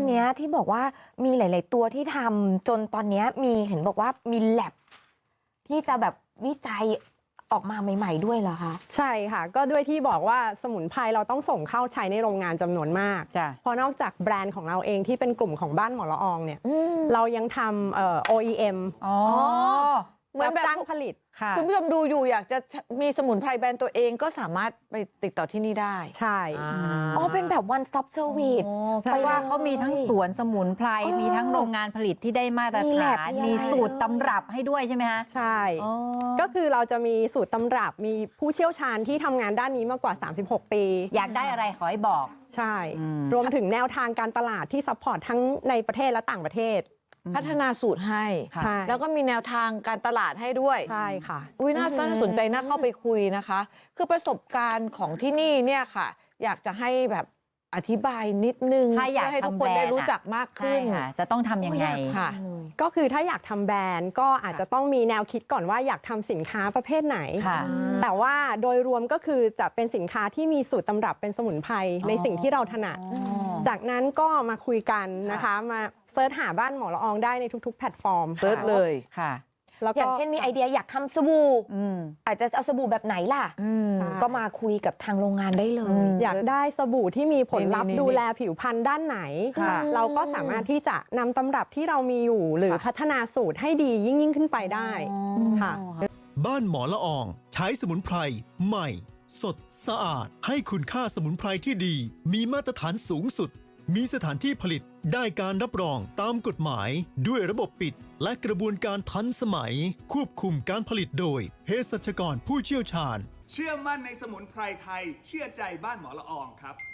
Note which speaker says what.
Speaker 1: เนี้ยที่บอกว่ามีหลาย ๆ ตัวที่ทำจนตอนเนี้ยมีเห็นบอกว่ามีแลบที่จะแบบวิจัยออกมาใหม่ ๆ ด้วยเหรอคะ
Speaker 2: ใช่ค่ะก็ด้วยที่บอกว่าสมุนไพรเราต้องส่งเข้าใช้ในโรงงานจำนวนมากเพราะนอกจากแบรนด์ของเราเองที่เป็นกลุ่มของบ้านหมอละอองเนี่ยเรายังทำOEM
Speaker 3: เหมือนแบบ
Speaker 2: จ้างผลิต
Speaker 3: คุณผู้ชมดูอยู่อยากจะมีสมุนไพรแบรนด์ตัวเองก็สามารถไปติดต่อที่นี่ได้
Speaker 2: ใช่
Speaker 1: เป็นแบบ one stop service
Speaker 4: เพราะว่าเขามีทั้งสวนสมุนไพรมีทั้งโรงงานผลิตที่ได้มาตรฐานมีสูตรตำรับให้ด้วยใช่ไหมคะ
Speaker 2: ใช่ก็คือเราจะมีสูตรตำรับมีผู้เชี่ยวชาญที่ทำงานด้านนี้มากกว่า36 ปี
Speaker 4: อยากได้อะไรขอให้บอก
Speaker 2: ใช่รวมถึงแนวทางการตลาดที่ซัพพอร์ตทั้งในประเทศและต่างประเทศ
Speaker 3: พัฒนาสูตรให้แล้วก็มีแนวทางการตลาดให้ด้วย
Speaker 2: ใช่ค่ะ
Speaker 3: น่าสนใจน่าเข้าไปคุยนะคะคือประสบการณ์ของที่นี่เนี่ยค่ะอยากจะให้แบบอธิบายนิดนึง
Speaker 4: ถ้าอยาก
Speaker 3: ให้ทุกคนได้รู้จักมากขึ้น
Speaker 4: จะต้องทำยังไง
Speaker 3: ค่ะ
Speaker 2: ก็คือถ้าอยากทำแบรนด์ก็อาจจะต้องมีแนวคิดก่อนว่าอยากทำสินค้าประเภทไหนแต่ว่าโดยรวมก็คือจะเป็นสินค้าที่มีสูตรตำรับเป็นสมุนไพรในสิ่งที่เราถนัดจากนั้นก็มาคุยกันนะคะมาเซิร์ชหาบ้านหมอละอองได้ในทุกๆแพลตฟอร์ม
Speaker 3: เซิร์ชเลย
Speaker 4: ค่ะ
Speaker 1: อย่างเช่นมีไอเดียอยากทำสบู่อาจจะเอาสบู่แบบไหนล่ะก็มาคุยกับทางโรงงานได้เลย
Speaker 2: อยากได้สบู่ที่มีผลลัพธ์ดูแลผิวพรรณด้านไหนเราก็สามารถที่จะนำตำรับที่เรามีอยู่หรือพัฒนาสูตรให้ดียิ่งขึ้นไปได้ค่ะ
Speaker 5: บ้านหมอละอองใช้สมุนไพรใหม่สดสะอาดให้คุณค่าสมุนไพรที่ดีมีมาตรฐานสูงสุดมีสถานที่ผลิตได้การรับรองตามกฎหมายด้วยระบบปิดและกระบวนการทันสมัยควบคุมการผลิตโดยเภสัชกรผู้เชี่ยวชาญ
Speaker 6: เชื่อมั่นในสมุนไพรไทยเชื่อใจบ้านหมอละอองครับ